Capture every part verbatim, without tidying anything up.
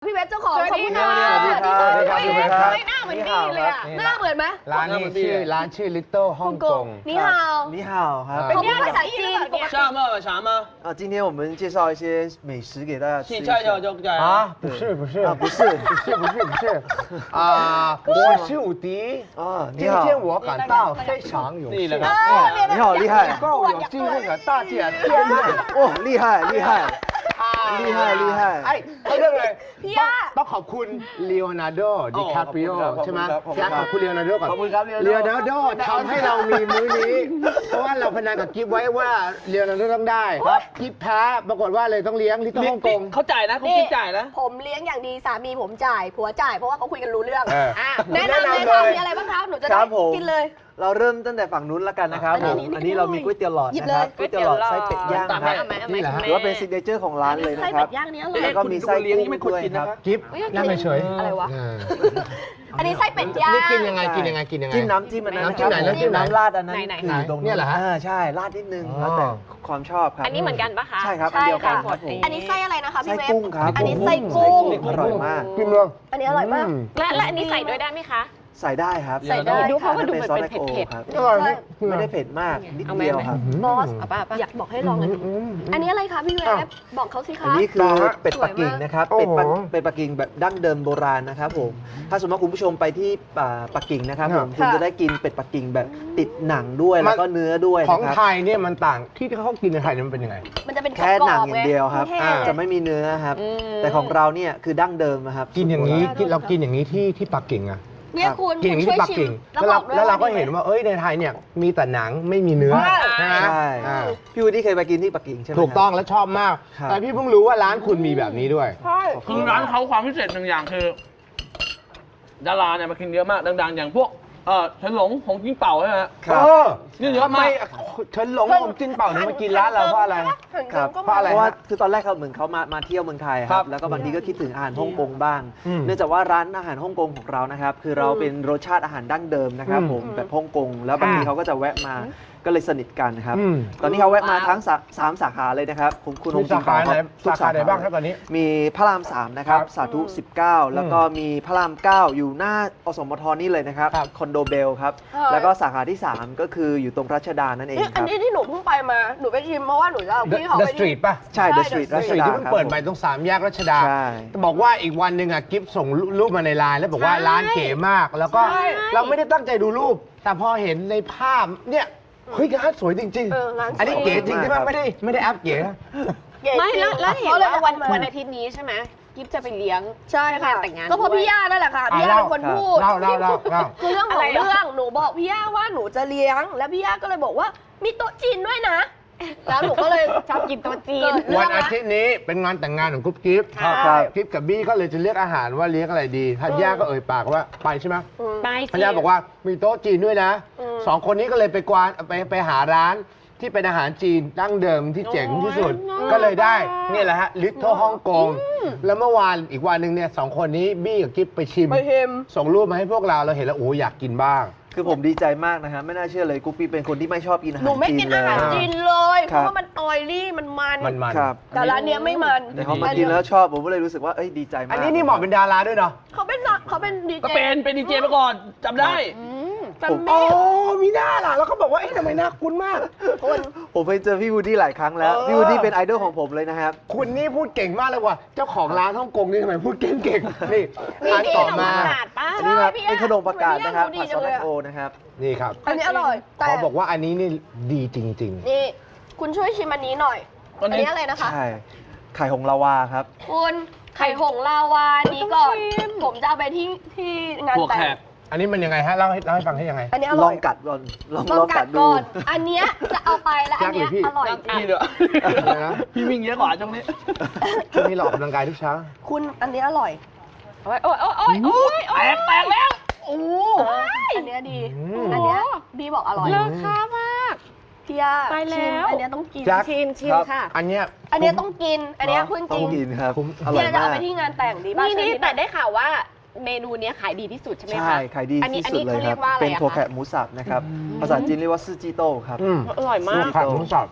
พี่เวฟเจ้าของขอบคุณค่ะสวัสดีครับสวัสดีครับสวัสดีครับหน้าเหมือนนี่เลยอ่ะหน้าเหมือนไหมร้านนี้ชื่อร้านชื่อ Little ฮ่องกงนี่ฮาว你好ครับเขาพูดภาษาจีนปกติ啥嘛啥嘛？ 啊，今天我们介绍一些美食给大家吃一去下。 菜就就在啊，不是不是啊，不是不是不是不是啊，我是伍迪啊， 今你好， 天我感到非常有幸你了， 你好厉害能够有机会和大家见面。 哦，厉害厉害，厉害厉害ไอ้เขาเรื่องอะไรพี่ย่าต้องขอบคุณเลโอนาร์โดดิคาปริโอใช่ไหมพี่ขอบคุณเลโอนาร์โดก่อนขอบคุณครับเลโอนาร์โดทำให้เรามีมื้อนี้ เพราะว่าเราพนันกับกิฟไว้ว่าเลโอนาร์โดต้องได้กิฟแพ้ปรากฏว่าเลยต้องเลี้ยงที่ต้องฮ่องกงเขาจ่ายนะเขาคิดจ่ายนะผมเลี้ยงอย่างดีสามีผมจ่ายผัวจ่ายเพราะว่าเขาคุยกันรู้เรื่องเอออ่ะแนะนำเลยค่ะมีอะไรบ้างคะหนูจะคได้รับผมกินเลยเราเริ่มตั้งแต่ฝั่งนู้นแล้วกันนะครับอันผนี้มอัอันนนี้นี้เรามีก๋วยเตี๋ยวหลอดนะครับก๋ก๋ววย ยเตี๋เตี๋ยยว วหลอดหลอดไส้เป็ดย่างตามคให้รับเอาไหมเอาไหมนี่แหละฮะถือว่าเป็นซิกเนเจอร์ของร้านเลยไส้นะคเป็รับดย่างนี้อร่อยแล้วก็มีไส้คุณดูเลี้ยงกุ้นี่ไม่งควรด้วยกินคนะรับครับกิฟนั่งเฉยอะไรวะอ่าอันนี้ไส้เป็ดย่างนี่กินยังไงกินยังไงกินยังไงจิ้มน้ำจิ้มอันนั้นน้ำจิ้มไหนน้ำจิ้มไหนน้ำราดอันนั้นไหนๆคือตรงเนี่ยเหรอฮะาใช่ราดนิดนึงอ๋อแล้วแต่ความชอบครับอันนี้เหมือนกันปะคะใช่ครับใช่อันเดียวกันค่ะครับผมอันนี้ไส้อะไรนะคะไส้พี่เวฟกุ้งครับอันนี้ไส้กุ้งอร่อยมากกินเลยอันนี้อร่อยมากและและอันนี้ใส่ด้วยได้ไหมคะใส่ได้ครับใส่ได้ดูเพราะว่าดูป็เหมือนซอสเป็นแลคโอเผ็ดครับอร่อยไหมไม่ได้เผ็ดมากนิดเอาไหมเดียวครับบอสเอาป่ะเอาป่ะอยากบอกให้ลองอันนี้ อันนี้อะไรคะพี่เวฟบอกเขาสิคะอันนี้คือเป็ดปักกิ่งนะครับโอ้เป็ดโหปักเป็ดปักกิ่งแบบดั้งเดิมโบราณนะครับผม ถ้าสมมติว่าคุณผู้ชมไปที่อ่าปักกิ่งนะครับผมค่ะคุณจะได้กินเป็ดปักกิ่งแบบติดหนังด้วยมันแล้วก็เนื้อด้วยของนะครับไทยเนี่ยมันต่างที่เขากินในไทยเนี่ยมันเป็นยังไงมันจะเป็นแค่หนังอย่างเดียวครับแห้งอ่าจะไม่มีเนื้อครับอืมแต่ของเราเนี่ยคือดั้งเดิมนะครับกินอย่างนี้กินเรากินอย่างนี้ที่ที่ปักกิ่งอะเนี่ยคุณกินอย่างนี้ช่วยที่ปักชิกิ่มงแล้วเราบอกด้วยแล้วเราก็ดีไมเห็นว่าเอ้ยในไทยเนี่ยมีแต่หนังไม่มีเนื้อใช่ใช่ไหมใช่อ่าพี่วูดดี้เคยไปกินที่ปักกิ่งใช่ไหมถูกต้องและชอบมากครับแต่พี่เพิ่งรู้ว่าร้านคุณมีแบบนี้ด้วยคือร้านเขาความพิเศษหนึ่งอย่างคือ ดาราเนี่ยมากินเยอะมากดังๆ อย่างพวกเออเฉินหลงของจิ้งเป่าใช่ไหมฮะครับเออนี่เยอะทำไมมากฉันหลงผมจิ้นเป่าเนี่ยมากินร้านเราเพราะอะไรครับเพราะอะไรเพราะว่าฮะคือตอนแรกเขาเหมือนเขามามาเที่ยวเมืองไทยคครัรับบแล้วก็บางทีก็คิดถึงอาหารฮ่องกงบ้างอืมเนื่องจากว่าร้านอาหารฮ่องกงของเรานะครับ คือเราเป็นรสชาติอาหารดั้งเดิมนะครับอืมผมแบบฮ่องกงแล้วบางทีเขาก็จะแวะมาก็เลยสนิทกันครับอืมตอนนี้เขาแวะมาทั้งสาสามสาขาเลยนะครับคุณคุณมีองค์จิสาง ขาไหนทุกสาขาไหนบ้างครับตอนนี้มีพระรามสามนะครับครับสาธุสิบเก้าแล้วก็มีพระรามเก้าอยู่หน้าอสมทนี่เลยนะครับครับคอนโดเบลครับใช่แล้วก็สาขาที่สามก็คืออยู่ตรงรัชดานั่นเองนี่คอันรับนี้ที่หนูเพิ่งไปมา หนูไปชิมเพราะว่าหนูจะเอาพี่เขา The ไป Street ป่ะใช่ The Street ใช่รั The ช Street ดาที่เพิ่งครับเปิดผมใหม่ตรงสามแยกรัชดาใช่บอกว่าอีกวันหนึ่งอ่ะกิฟส่งรูปมาในไลน์แล้วบอกว่าใช่ร้านเก๋มาก แล้วก็ใช่เราไม่ได้ตั้งใจดูรูป แต่พอเห็นในภาพเนี่ยเฮ้ยร้านสวยจริงเออร้านสวยอันนี้เก๋จริงใช่ไหมไม่ได้ไม่ได้แอปเก๋นะเก๋ไม่จริงแล้วแล้วเห็นขลยว่าวันเอมาวันอาทิตย์นี้ใช่ไหมกิฟจะไปเลี้ยงใช่ค่ะแต่งงานก็เพราะด้วยพี่ย่านั่นแหละค่ะอ่ะพี่ย่าเป็นคนเล่าพูดเล่าเล่าเล่าเล่าคือเรื่องขอะองไรอ่ะเรื่องหนูบอกพี่ย่าว่าหนูจะเลี้ยง แล้วพี่ย่าก็เลยบอกว่ามีโต๊ะจีนด้วยนะ แล้วหนูก็เลยชอบกินโต๊ะจีนเกิดวันอาทิตย์นี้เป็นงานแต่งงานของกุ๊บกิ๊บครับครับกิ๊บกับบี้ก็เลยจะเลือกอาหารว่าเลี้ยงอะไรดีธัญญาก็เอ่ยปากว่าไปใช่ไหมไปธัญสิญาบอกว่ามีโต๊ะจีนด้วยนะอืมสองคนนี้ก็เลยไปกวานไปไปหาร้านที่เป็นอาหารจีนดั้งเดิมที่เจ๋งที่สุด ก็เลยได้เนี่ยแหละฮะลิทเทิลฮ่องกงแล้วเมื่อวานอีกวันหนึ่งเนี่ยสองคนนี้บี้กับกิ๊บไปชิมไปเค็มส่งรูปมาให้พวกเราเราเห็นแล้วโอ้อยากกินบ้างคือผมดีใจมากนะครับไม่น่าเชื่อเลยกุ๊กปี้เป็นคนที่ไม่ชอบกินอาหารหนูไม่จีกินนเลอาย หารจีนเลย เพครับราะว่ามันออยลี่มันมันมันมันครับแต่ร้านเนี้ยไม่มันแต่เขามากินแล้วชอบผมก็เลยรู้สึกว่าเอ้ยดีใจมากอันนี้นี่เหมาะเป็นดาราด้วยเนาะเขาเป็นนักเขาเป็นดีเจก็เป็นเป็นดีเจมาก่อนจำได้แฟมอ๋อมี่มีหน้าล่ะแล้วก็บอกว่าเอ๊ะทำไมหน้าคุ้นมากคนผมไปเจอพี่วูดดี้หลายครั้งแล้วเออพี่วูดดี้เป็นไอดอลของผมเลยนะครับคุณนี่พูดเก่งมากเลยว่ะเจ้าของร้านฮ่องกงนี่ทำไมพูดเก่งเก่งๆนี่มีร้านดีต่อขนมมากระดาษป้าอันนี้ครับพี่ย่าเป็นขนมประกาศนะครับพี่ผัดย่าซอสดูดีจังเลยอะแลคโอนะครับนี่ครับอันนี้อร่อยแต่เขาบอกว่าอันนี้นี่ดีจริงนี่คุณช่วยชิมอันนี้หน่อยอัอันนนี้นี้อะไรนะคะใช่ ไข่หงลาวาครับคุณไข่หงลาวานี้ก่อน ผมจะเอาไปที่ที่งานหัวแต่แขงกๆ อันนี้มันยังไงฮะเล่าให้เล่าให้ฟังให้ยังไงอันนี้อลร่ออยงกัดก่อนลองลลออง งกักัดดดูก่อน อันเนี้ยจะเอาไปแล้วอันเนี้ยยากเลยพี่อร่อยจริพี่งเด้อนะพี่วิ่งเยอะกว่าช่วงนี้ช่วงนี้เราออกกำลังกายทุกเช้าคุณอันนี้อร่อยโอ้ยโอ้ยโอ้ยโอ้ยโอ้แตยกแตกแล้ว โอ้อันเนี้ยดีอืมอันเนี้ยบีบอกอร่อยเลิศค่ามากพี่ย่าไปแล้วชิมอันเนี้ยต้องกินแจ็คชิมชิมค่ะอันเนี้ยอันเนี้ยต้องกิน อันเนี้ยคุณต้จอริงงกินครับคุ้มอร่อยเนี่ยจะมาเอากไปที่งานแต่งดีป่ะนี่นี่เชิญพี่แต่ได้ข่าวว่าเมนูเนี้ยขายดีที่สุดใช่ไหมคะใช่ขายดีอันนี้ที่สุดเลยอันนี้คเขาเรีรัยบกว่าอะไรเป็นอะถั่วคะแขกหมูสับนะครับ ภาษาจีนเรียกว่าซื่อจีโต้ครับอืมอร่อยมากผัดหมูสับ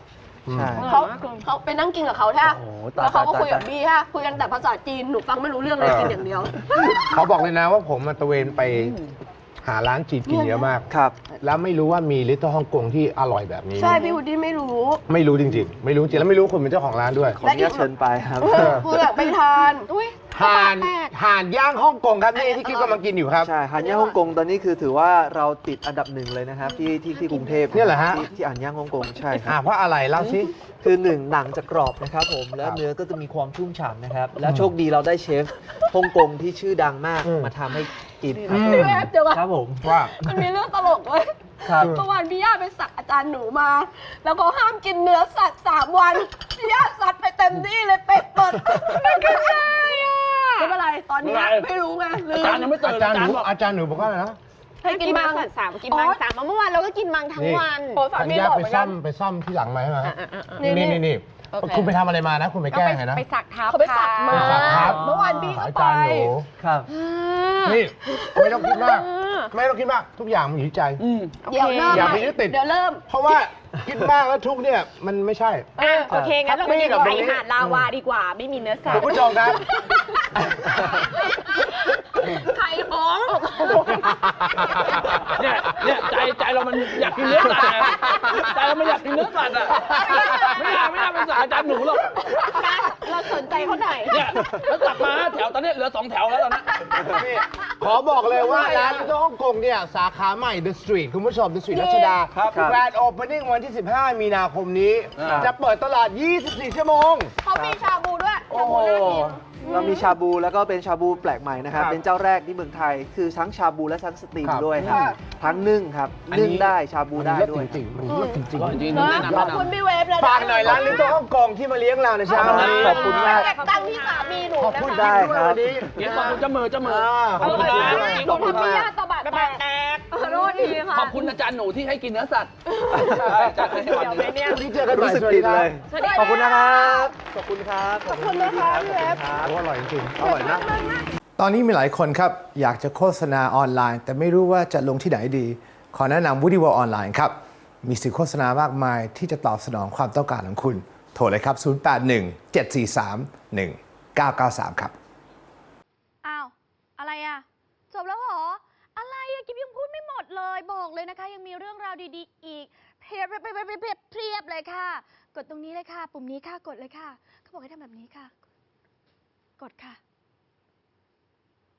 ใช่เขาเขาไปนั่งกินกับเขาใช่ไหมโอ้โหตายแล้วเขาก็ตายคุยกับตายบี้ฮะคุยกันแต่ภาษาจีนหนูฟังไม่รู้เรื่องเลยกินอย่างเดียวเขาบอกเลยนะว่าผมมาตระเวนไปหาร้านจีนกินเยอะมากครับแล้วไม่รู้ว่ามีลิตเติ้ลฮ่องกงที่อร่อยแบบนี้ใช่พี่วูดดี้ไม่รู้ไม่รู้จริงๆ ไม่รู้จริงแล้วไม่รู้คนเป็นเจ้าของร้านด้วยขออนุญาตเชิญไปครับกูอยากไปทานอุ้ยห่านห่านย่างฮ่องกงครับนี่ที่กิ๊บกำลังกินอยู่ครับใช่ฮันย่างฮ่องกงตอนนี้คือถือว่าเราติดอันดับหนึ่งเลยนะครับ ที่ที่ที่กรุงเทพเนี่ยเหรอฮะที่ที่อ่านย่างฮ่องกงใช่คอ่ารับเพราะอะไรเล่าสิคือหนึ่งหนังจะกรอบนะครับผมแล้วครับเนื้อก็จะมีความชุ่มฉ่ำนะครับ แล้วโชคดีเราได้เชฟฮ่องกงที่ชื่อดังมากอืมมาทำให้กินอืมพี่แวบเดี๋ยวก่อนครับผมว่ามันมีเรื่องตลกเว้ยครับเมื่อวานพี่ย่าไปสักอาจารย์หนูมา แล้วก็ห้ามกินเนื้อสัตว์สามวันพี่ย่าสัตว์ไปเต็มที่เลยเป็ดเปิดไม่เป็นไรอ่ะไม่เป็นไรตอนนี้ไม่รู้ไงลือาจารย์ยังไม่ตื่อาน จารย์หนูบอกอาจารย์หนูบอกว่าอะไรนะให้กินมังสัตว์สามกินมังสามเมื่อวานเราก็กินมังทั้งนี่วันโอ้สาธัญมีญาบอกไปเหมือนซ่กัอน มไปซ่อมที่หลังมาใช่ไหมนี่นี่นี่นี่นี่โอเคคุณไปทำอะไรมานะ คุณไปแกล้งไงนะไปสักเท้าเขาไปสักมาไปสักครับเมื่อวานพี่ก็อาไปจารย์หนูครับนี่ไม่ต้องคิดมาก ไม่ต้องคิดมาก ทุกอย่างมันอยู่ที่ใจอืมเดี๋ยวเริ่มอย่าไปยึดติดเดี๋ยวเริ่มเพราะว่าคิดมากแล้วทุกเนี่ยมันไม่ใช่อ่ะโอเค งั้นเราไปกินครับไก่หาดลาวาดีกว่า ไม่มีเนื้อสัตคุณว์ผู้ชมครับไข่หอมเนี่ยเนี่ยใจใจเรามันอยากกินเนื้อสัตว์ไงใจเรามันอยากกินเนื้อสัตว์อ่ะไม่อยากไม่อยากเป็นสายอาจารย์หนูหรอกเราสนใจเขาหน่อยเนี่ยแล้วกลับมาแถวตอนนี้เหลือสองแถวแล้วตอนนี้นี่ขอบอกเลยว่าร้านที่ฮ่องกงเนี่ยสาขาใหม่ The Street คุณผู้ชม The Street รัชดาครับครับแกรนด์โอเพนนิ่งวันที่ สิบห้า มีนาคมนี้ครับจะเปิดตลาด ยี่สิบสี่ ชั่วโมงเขามีชาบูด้วยโอ้ชาโหบูน่ากินเรามีชาบูแล้วก็เป็นชาบูแปลกใหม่นะครับครับเป็นเจ้าแรกที่เมืองไทย คือทั้งชาบูและทั้งสตรีมครับด้วยครับค่ะทั้งนึ่งครับอันนี้นึ่งได้ชาบูได้เลิศด้วยจริงๆมันเลิศจริงอร่อยจริงนะแนะนำขอบแนะคุณนำพี่เวฟเลยๆฝากหน่อยร้านลิตเติ้ลฮ่องกงที่มาเลี้ยงเราในเช้าวันนี้ขอบคุณมากตั้งที่สามีหนูขอบนะคุณคะได้ได้ครับครับวันนี้เดี๋ยวขอบคุณเจ้ามือเจ้ามืออ่าขอบคุณนะหนูทำพี่ย่าตะบัดแตกขอโทษทีค่ะขอบคุณอาจารย์หนูที่ให้กินเนื้อสัตว์ใช่อาจารย์ให้วันหนึงวันนี้เจอกันใหม่รู้สึกสวัสผิดีดคเลรับยสวัสดีขอบคุณนะครับ ขอบคุณครับขอบคุณนะคะพี่เวฟโอ้อร่อยจริงๆอร่อยนะ ตอนนี้มีหลายคนครับ อยากจะโฆษณาออนไลน์ แต่ไม่รู้ว่าจะลงที่ไหนดี ขอแนะนำ Woody World ออนไลน์ครับ มีสื่อโฆษณามากมายที่จะตอบสนองความต้องการของคุณ โทรเลยครับ ศูนย์ แปด หนึ่ง เจ็ด สี่ สาม หนึ่ง เก้า เก้า สาม ครับอ้าว อะไรอะจบแล้วเหรอ อะไรอะกิ๊บยังพูดไม่หมดเลย บอกเลยนะคะ ยังมีเรื่องราวดีๆ อีกเพียบเพียบเพียบเพียบเพียบเพียบเลยค่ะ กดตรงนี้เลยค่ะ ปุ่มนี้ค่ะ กดเลยค่ะ เขาบอกให้ทำแบบนี้ค่ะ กดค่ะ